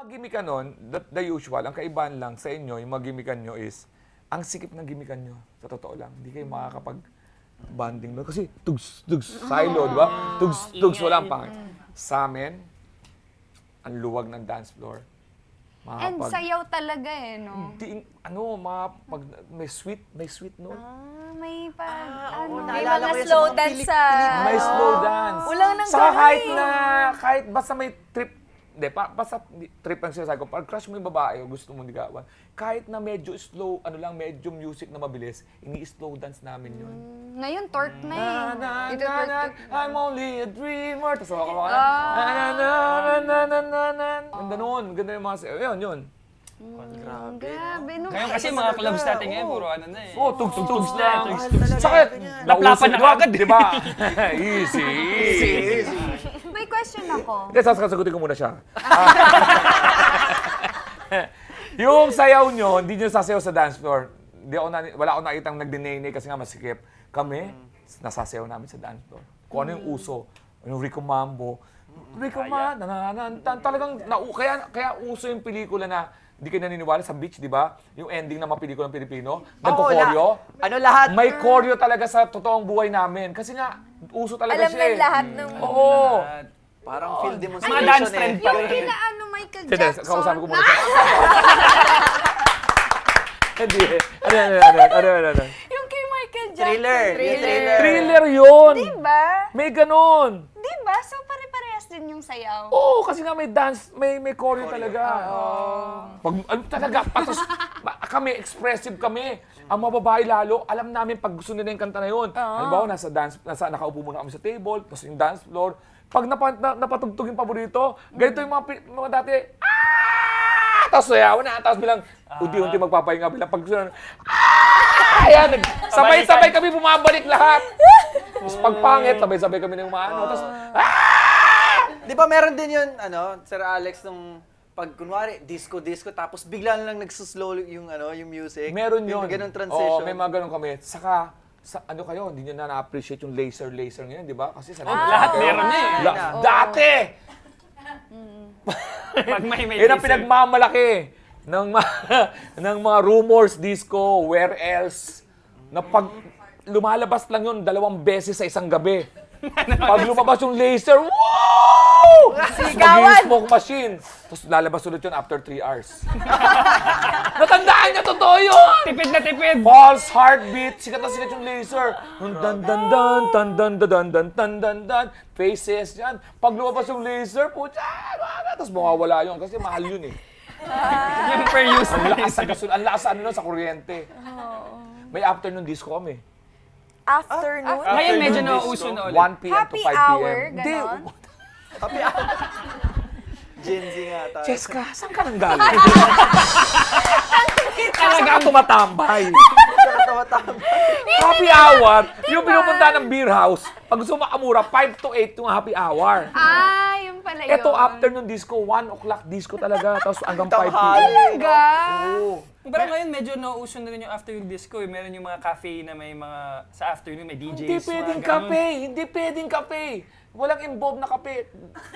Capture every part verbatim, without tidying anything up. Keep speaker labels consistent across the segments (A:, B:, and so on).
A: Mga gimikan nun, the, the usual, ang kaibahan lang sa inyo, yung mga gimikan nyo is, ang sikip ng gimikan nyo, sa totoo lang, hindi kayo makakapag-banding nun. Kasi tugs, tugs, silo, di ba? Tugs, tugs, walang pangit. Sa amin, ang luwag ng dance floor.
B: And
A: Makakapag-
B: sayaw talaga eh, no?
A: Di, ano, mga pag, may sweet, may sweet note.
B: Ah, may pag,
C: Ah,
B: ano,
C: oo,
B: may
C: naalala
B: mga
C: ko yan sa
B: slow
C: mga
B: dance
C: pelik-
B: sa...
C: pelikula.
A: May slow dance.
B: Walang nang
A: Saka
B: gano'n
A: kahit
B: eh.
A: na, kahit basta may trip, hindi, pa, basta di- trip ang sinasabi ko, pag crush mo yung babae o gusto mo ligawan, kahit na medyo slow, ano lang, medyo music na mabilis, ini-slow dance namin yun.
B: Ngayon, torque na eh.
A: Na, na,
B: Ito,
A: na,
B: torque,
A: na,
B: torque.
A: I'm only a dreamer. Tapos ako ka na,
B: Ah.
A: na, na, na, na, na, na, na. Ganda nun, ganda yung mga, yun, yun.
C: Grabe.
B: Grabe, no?
D: Ngayon kasi mga clubs natin ngayon, puro ano na eh.
A: Oh, tugs, tugs, tugs
D: na,
A: na.
D: tugs,
C: tugs na.
A: Sakit.
C: Ganyan.
D: Laplapan na
A: Nauso,
D: agad.
A: di ba? Easy, easy.
B: May question ako.
A: Hindi, sasagutin ko muna siya. Ah. Yung sayaw nyo, hindi nyo sasayaw sa dance floor. Hindi ako na, wala akong nakitang nagdinene kasi nga masikip. Kami, nasasayaw namin sa dance floor. Kung ano yung uso, yung Rico Mambo. Rico Mambo, nananantan. Talagang, na, kaya, kaya uso yung pelikula na, hindi kayo naniniwala sa beach, di ba? Yung ending ng mga pelikulang Pilipino, nagko-choreo.
C: Oo, la- ano lahat?
A: May choreo talaga sa totoong buhay namin. Kasi nga, uso talaga
B: Alam
A: siya
B: ng
A: eh.
B: lahat ng...
A: Oo.
C: Parang field demonstration
D: Mga dance
C: eh.
D: trend pa.
B: Yung kila ano, Michael
A: Hindi,
B: Jackson.
A: kausapin ko muna siya. Hindi. Ano, ano, ano, ano, ano, ano.
B: Yung kay Michael Jackson.
C: Thriller. Yung thriller.
A: Thriller yun.
B: Diba?
A: May ganon.
B: Diba? So, pare-parehas din yung sayaw.
A: Oo, kasi nga may dance, may may choreo talaga. Pag, ano talaga, patos, ba- kami, expressive kami. Ang mga babae lalo, alam namin pag gusto nila yung kanta na yun. Halimbawa, nasa dance, nasa, nakaupo muna kami sa table, tapos yung dance floor. Pag napa, na, napatugtog yung paborito, ganito yung mga, pi- mga dati, ah! Tapos sayawan na, tapos bilang, unti-unti magpapahinga bilang pag gusto na, ah! Ayan, nag- sabay-sabay kami bumabalik lahat. Tapos pagpangit, sabay-sabay kami ng mga ano. Tapos,
C: Di ba meron din yun, ano, Sir Alex, nung pag kunwari, disco-disco, tapos bigla na lang nagsuslow yung, ano, yung music.
A: meron yun.
C: Yung ganun transition.
A: Oo, may mga ganun kami. Saka, sa ano kayo, hindi nyo na na-appreciate yung laser-laser ngayon, di ba? Kasi sa
D: Lahat meron na eh.
A: La- Dati!
D: Pag may may
A: Yan ang
D: laser.
A: pinagmamalaki ng, ma- ng mga rumors, disco, where else, na pag lumalabas lang yun dalawang beses sa isang gabi. Pag lumabas yung laser, wow! Mag-i- smoke machine. Tapos lalabas ulit yun after three hours. Natandaan niya, totoo yun!
D: Tipid na tipid.
A: Pulse, heartbeat, sikat na sikat yung laser. Yung dan dan dan, tan dan dan dan dan dan dan dan, faces yan. Pag lumabas yung laser, putya, tapos mawawala yun kasi mahal yun eh.
D: Yung per use.
A: Ang lakas sa gasul, ang lakas sa ano nun, sa kuryente. May afternoon disco kami.
B: Afternoon?
D: Ngayon medyo
A: Afternoon
D: nauuso
A: disco,
D: na ulit.
A: one p m to
B: Happy
A: five p m
B: hour,
A: Hindi,
B: ganon?
C: Happy hour. Gen Z nga tayo.
A: Cheska, saan ka nang galing? Talaga tumatambay.
C: Tama-tama.
A: Happy hour, yung pinupunta ng beer house, pag gusto mo makamura, five to eight yung happy hour.
B: Ah, yun pala yun.
A: Ito, afternoon disco, one o'clock disco talaga, tapos hanggang five p m
C: Tanghali.
B: Talaga?
A: Oo.
D: Pero ngayon medyo nauuso na rin yung afternoon disco eh. Meron yung mga cafe na may mga, sa afternoon may D Js.
A: Hindi
D: mga
A: pwedeng
D: ganun.
A: kape, hindi pwedeng kape. Walang involved na kape.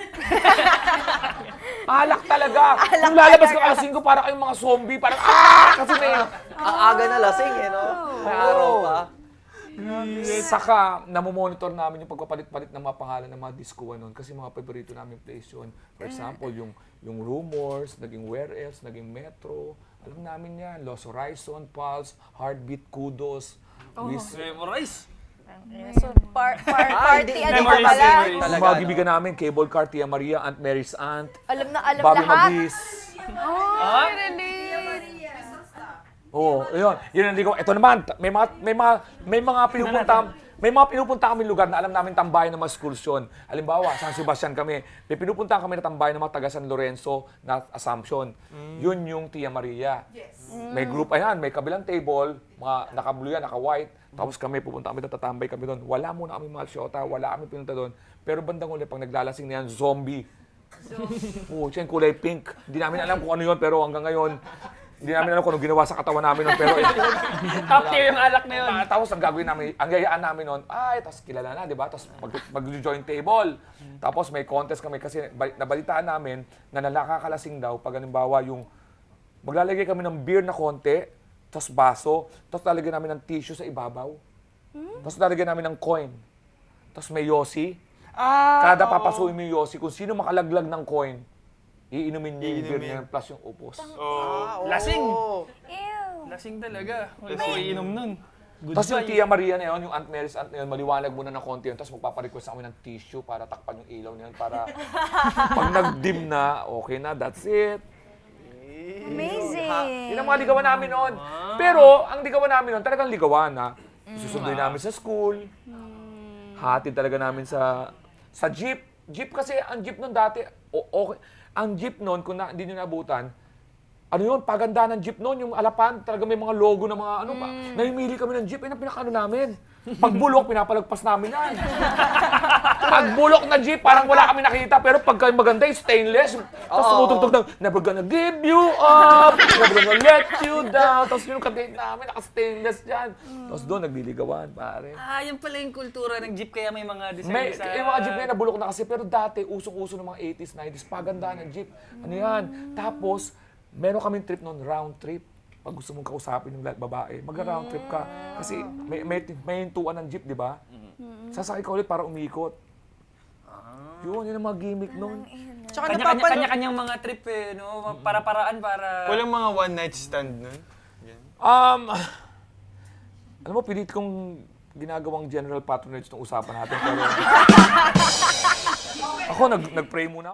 A: Alak talaga. Kung lalabas ka alas singko, para kayong mga zombie, parang ah! Kasi may...
C: Ang aga na lasing eh, no? May araw pa.
A: Saka, namomonitor namin yung pagpapalit-palit ng mga pangalan ng mga disco nun kasi mga paborito namin place yun. For example, yung yung Rumors, naging Where Else, naging Metro. Alam namin yan. Los Horizon, Pulse, Heartbeat, Kudos. Wiz-
D: Memorize.
B: So, par par
C: Ah,
B: party,
C: hindi-
B: ano ka
D: memories,
B: pala?
D: memories.
A: Yung
C: Talaga,
A: mga
C: no?
A: gibigan namin, Cable Car, Tia Maria, Aunt Mary's Aunt,
B: Alam na alam
A: Bobby
B: lahat.
A: Magis.
B: Oh, really?
A: Oo, yun. Yun ang ligaw. Ito naman, may mga, may mga, may mga pinupunta, may mga pinupunta kami lugar na alam namin tambayan ng mga schools yun. Halimbawa, San Sebastian kami. May pinupunta kami na tambayan ng mga taga San Lorenzo na Assumption. Yun yung Tia Maria. May group, ayan, may kabilang table, mga naka-blue yan, naka-white. Tapos kami, pupunta kami, tatambay kami doon. Wala muna kami mga syota, wala kami pinunta doon. Pero bandang uli, pag naglalasing na yan, zombie. Oo, siya yung kulay pink. Hindi namin alam kung ano yun, pero hanggang ngayon, Hindi namin alam kung anong ginawa sa katawan namin nun, pero
D: Top tier yung alak na yun.
A: Ah, tapos ang gagawin namin, ang yayaan namin noon, ay, tapos kilala na, di ba? Tapos mag, mag-join table. Tapos may contest kami kasi bal- nabalitaan namin na nakakalasing daw pag halimbawa yung maglalagay kami ng beer na konti, tapos baso, tapos lalagyan namin ng tissue sa ibabaw. Tapos lalagyan namin ng coin. Tapos may yosi.
D: Ah,
A: Kada papasuin mo yung yosi, kung sino makalaglag ng coin, iinumin niya yung beer niya plus yung upos.
C: Ah, oo.
D: Lasing.
B: Ew.
D: Lasing talaga. Wala ko iinom nun.
A: Tapos yung
D: Goodbye.
A: Tia Maria na yun, yung Aunt Mary's aunt na yun, maliwanag muna ng konti yun, tapos magpaparequest kami ng tissue para takpan yung ilaw niyan para pag nag-dim na, okay na, that's it.
B: Amazing.
A: Yun ang mga ligawan namin noon. Pero, ang ligawan namin noon, talagang ligawan na. Susunduin namin sa school. Hatid talaga namin sa sa jeep. Jeep kasi, ang jeep noon dati, o- okay. Ang jeep noon, kung na, hindi nyo nabutan, ano yun, paganda ng jeep noon, yung alapan, talaga may mga logo ng mga ano pa. Namimili kami ng jeep, yun ang pinakaano namin. Pag bulok, pinapalagpas namin yan. Pag bulok na jeep, parang wala kami nakita, pero pagka maganda yung stainless, tapos tumutugtog ng, never gonna give you up, never gonna let you down. Tapos yung kadate namin, naka-stainless yan. Tapos doon, nagliligawan, pare.
D: Ah, yan pala yung kultura ng jeep kaya may mga design
A: May,
D: sa...
A: yung mga jeep ngayon nabulok na kasi, pero dati, usong-uso ng mga eighties, nineties, paganda ng jeep. Ano yan? Tapos, meron kaming trip noon, round trip. Pag gusto mong kausapin yung la- babae, mag-round trip ka. Kasi may, may, may hintuan ng jeep, di ba? Sasakay ka ulit para umikot. Yun, yun ang mga gimmick noon.
C: Tsaka
D: Kanya-kanya,
C: napapanood.
D: kanya-kanyang mga trip eh, no? Para-paraan para...
E: Walang mga one night stand nun? Yan.
A: Um, alam mo, pilit kong ginagawang general patronage ng usapan natin. Pero ako, nag, nag-pray muna.